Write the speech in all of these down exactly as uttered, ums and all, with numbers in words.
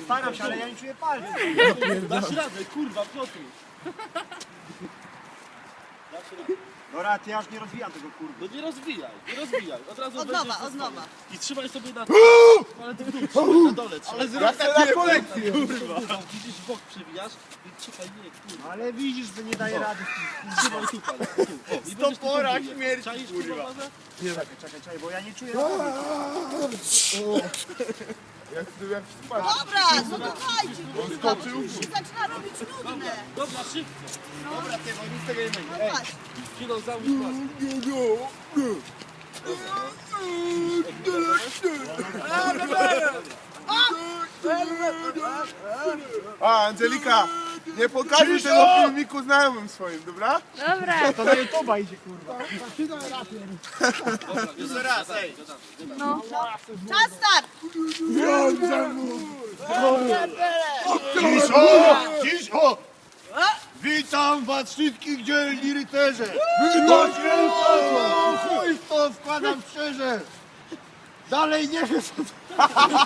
staram się, ale ja nie czuję palca. Dasz radę, kurwa, Piotr. Dasz radę. Dobra, ty aż nie rozwijam tego kurwa. No nie rozwijaj, nie rozwijaj. Od razu Od wejdziesz nowa, ze od nowa. I trzymaj sobie na... Ale ty w dół trzymaj, na dole trzymaj. Ale zrób takie kolekcję. Kurwa. Widzisz, w bok przewijasz i trzymaj, nie, kurwa. Ale widzisz, że nie daje rady. Trzymaj tu, pan. Tu. O, i będziesz tu Stopora podbijać. śmierci, Czaisz, kurwa. bazę? Czekaj, czekaj, czekaj, bo ja nie czuję. Jak ty jak spać. Dobra, no dawajcie, kurwa, bo już się zaczyna robić nudne. Dobra, szybko. Dobra, ty, bo nic z tego nie będzie. No patrz. Chwilą załóż maskę. A, Angelika, nie pokażesz tego filmiku znajomym swoim, dobra? Dobra. To na YouTube'a idzie kurwa. Dobra, Jeszcze raz, ej. No. Czas start. Ciszo! Ciszo! Witam was wszystkich dzielni rycerze! Witam się! Chuj w to wkładam szczerze! Dalej nie wiem co to...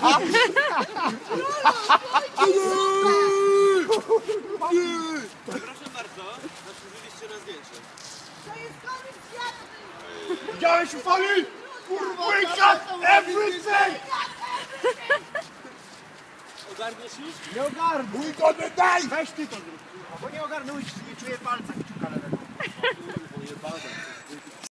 Proszę bardzo, zasłużyliście na zdjęcie. To jest koniec świata. Widziałeś ufali? Kurwa! We got everything! Ogarniesz już? Nie ogarnę! We got the day! Weź ty to zrób, kurwa, bo nie ogarnąłeś, nie czuję palca kciuka lewego. Kurwa, jebana.